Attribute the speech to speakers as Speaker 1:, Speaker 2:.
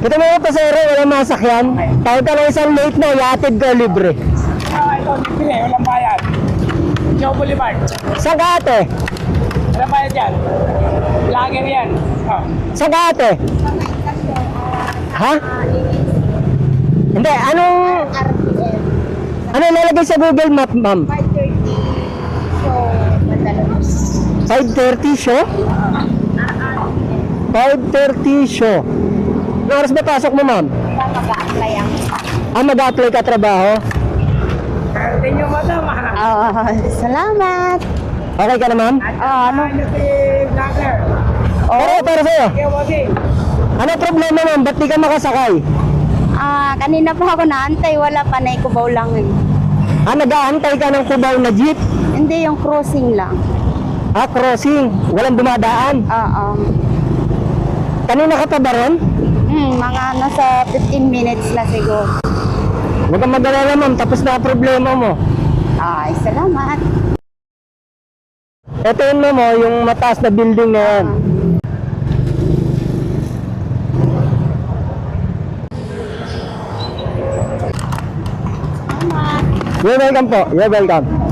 Speaker 1: Dito mga pasero, walang masakyan. Tawag ka ng isang late na, iatid ka libre.
Speaker 2: Ito, libre, walang bayad. Joe Boulevard.
Speaker 1: Saan ka ate?
Speaker 2: Walang bayad yan. Lager yan. Oh.
Speaker 1: Saan ka ate? Ha? Hindi, anong... Ano nalagay sa Google Map, ma'am? 5:30 show? 5:30 show. Anong oras ba pasok mo, ma'am?
Speaker 3: Mag-a-apply ang...
Speaker 1: Mag-a-apply ka trabaho?
Speaker 2: Tingnan mo ito, mahal.
Speaker 3: Salamat.
Speaker 1: Okay ka na, ma'am?
Speaker 3: Ano?
Speaker 2: Ano si Lager?
Speaker 1: Para sa'yo.
Speaker 2: Kaya mo si.
Speaker 1: Ano problema, ma'am? Ba't di ka makasakay?
Speaker 3: Kanina pa ako naantay, wala pa na ikubaw lang eh.
Speaker 1: Nag-aantay ka ng kubaw na jeep?
Speaker 3: Hindi, yung crossing lang.
Speaker 1: Crossing. Walang dumadaan.
Speaker 3: Oo.
Speaker 1: Kanina ka pa ba ron?
Speaker 3: Mga nasa 15 minutes na siguro.
Speaker 1: Huwag kang mag-alala, ma'am. Tapos na ang problema mo.
Speaker 3: Ay, salamat.
Speaker 1: Ito yun, ma'am, oh, yung mataas na building na yan. You're welcome po. You're welcome.